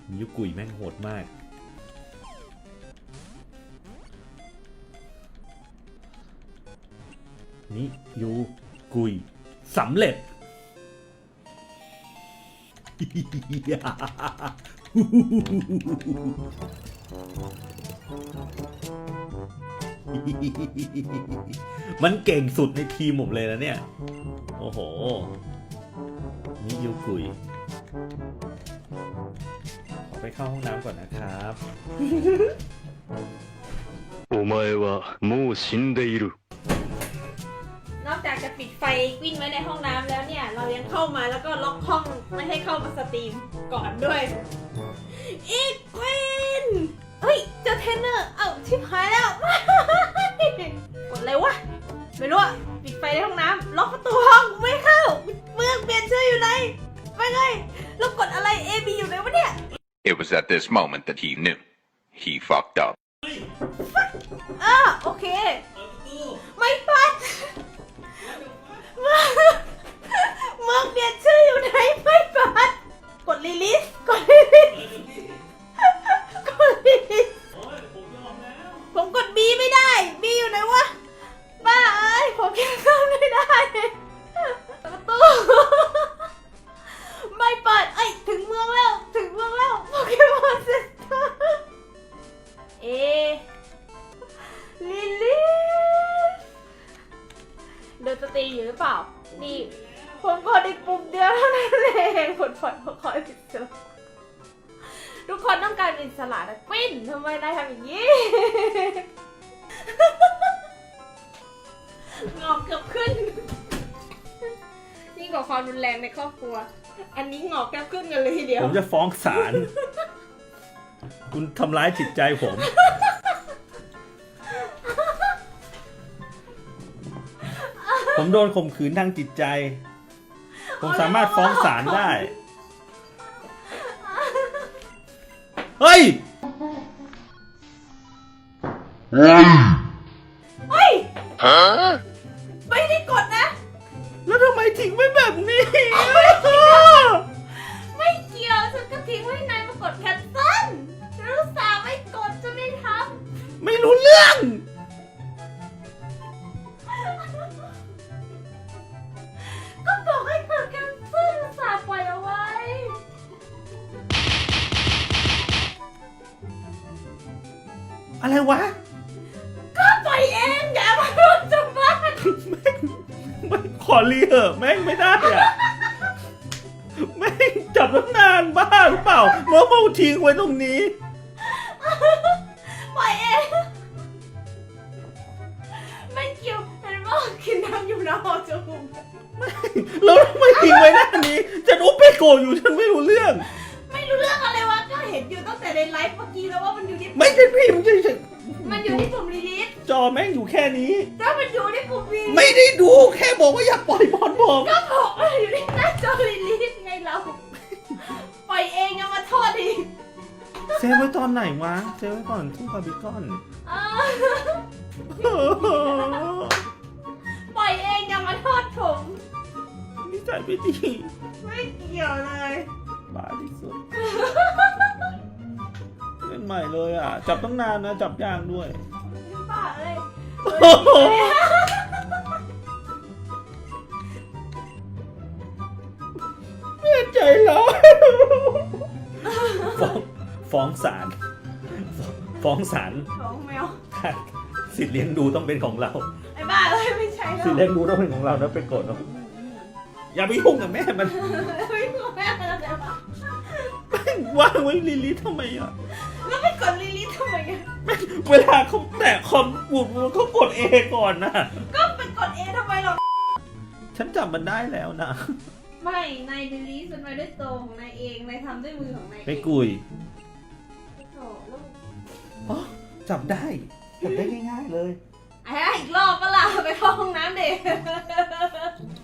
ยุกุยแม่งโหดมากนี่ยูกุยสำเร็จมันเก่งสุดในทีมผมเลยนะเนี่ยโอ้โหนี่ยูกุยขอไปเข้าห้องน้ำก่อนนะครับお前はもう死んでいるนอกจากจะปิดไฟวิ่งไว้ในห้องน้ำแล้วเนี่ยเรายังเข้ามาแล้วก็ล็อกห้องไม่ให้เข้ามาสตรีมก่อนด้วยอีกควินเฮ้ยเจอเทรนเนอร์เอ้าชิบหายแล้ว กดอะไรวะไม่รู้อะปิดไฟในห้องน้ำล็อกประตูห้องไม่เข้าเมืองเปลี่ยนชื่ออยู่ไหนไปไงแล้วกดอะไร A B อยู่ไหนวะเนี่ย It was at this moment that he knew. He fucked up. โอเคไม่ปัดเมืองเปลี่ยนชื่ออยู่ไหนไม่ปัดกดรีลิสกดรีลิสกดรีลิสผมกด B ไม่ได้ B อยู่ไหนวะบ้าเอ้ยผมยังเข้าไม่ได้ประตูไม่เปิดเอ้ยถึงเมืองแล้วถึงเมืองแล้วโปเกมอนเซ็นเตอร์ลิลิสเดินสตรีอยู่หรือเปล่านี่ผมกดอีกปุ่มเดียวเท่านั้นเองผลพลอยมาคอยอิสระทุกคนต้องการอิสระนะกวินทำไมนายทำอย่างนี้ งอกเกือบขึ้นยิ่งกว่าความรุนแรงในครอบครัวอันนี้งอกแก้วขึ้นกันเลยทีเดียวผมจะฟ้องศาลคุณทำร้ายจิตใจผมผมโดนข่มขืนทางจิตใจผมสามารถฟ้องศาลได้เฮ้ยเฮ้ยไม่ได้กดนะแล้วทำไมทิ้งไว้แบบนี้ไม่เกี่ยวฉันก็ทิ้งไว้นายมากดแคนเซิลฉันรู้สาไม่กดจะไม่ทำไม่รู้เรื่องก็บอกให้กดแคนเซิลสาปล่อยเอาไว้อะไรวะก็ปล่อยเองอย่ามาพูดจังบ้านไม่ขอรีเหอะแม่งไม่ได้อะแม่งจับตั้งนานบ้าหรือเปล่าเมื่อเอาทิ้งไว้ตรงนี้ปล่อยเองไม่เกี่ยวเห็นว่ากินน้ำอยู่นะหอจมูกแล้วทำไมทิ้งไว้หน้านี้ฉันอุปเปโกอยู่ฉันไม่รู้เรื่องอะไรวะก็เห็นอยู่ตั้งแต่ในไลฟ์เมื่อกี้แล้วว่ามันอยู่ที่ไม่ใช่พิมพ์ใช่มันอยู่ที่ปุ่มรีลิสจอแม่งอยู่แค่นี้แล้วมันอยู่ที่ปุ่มรีลิสไม่ได้ดูแค่บอกว่าอย่าปล่อยบอลผมก็บอกว่าอยู่ที่หน้าจอรีลิสไงเราปล่อยเองยังมาโทษอีกเซฟไว้ตอนไหนวะเซฟไว้ก่อนทุ่งบาร์บีคอนปล่อยเองยังมาโทษผมนิสัยไม่ดีไม่เกี่ยวเลยบ้าที่สุดเล่นใหม่เลยอ่ะจับตั้งนานนะจับยากด้วยบ้าเลยเสียใจแล้วฟ้องศาลฟ้องแมวสิทธิ์เลี้ยงดูต้องเป็นของเราไอ้บ้าเลยไม่ใช่สิทธิ์เลี้ยงดูต้องเป็นของเรานะไปกดเนาะอย่าไปยุ่งกับแม่มันไม่ยุ่งแม่แล้วแต่ว่างไว้ลิลิทำไมอ่ะแล้วไม่กดลิลิททำไมอ่ะเวลาเขาแตะคอมปุ่มเขากดเอก่อนนะก็ไปกดเอทำไมหรอฉันจำมันได้แล้วนะไม่นายลิลิทมันไว้ด้วยตัวของนายเองนายทำด้วยมือของนายไปกุยอ๋อจับได้ง่ายๆเลยอีกรอบก็ล่ะไปเข้าห้องน้ำเด็ก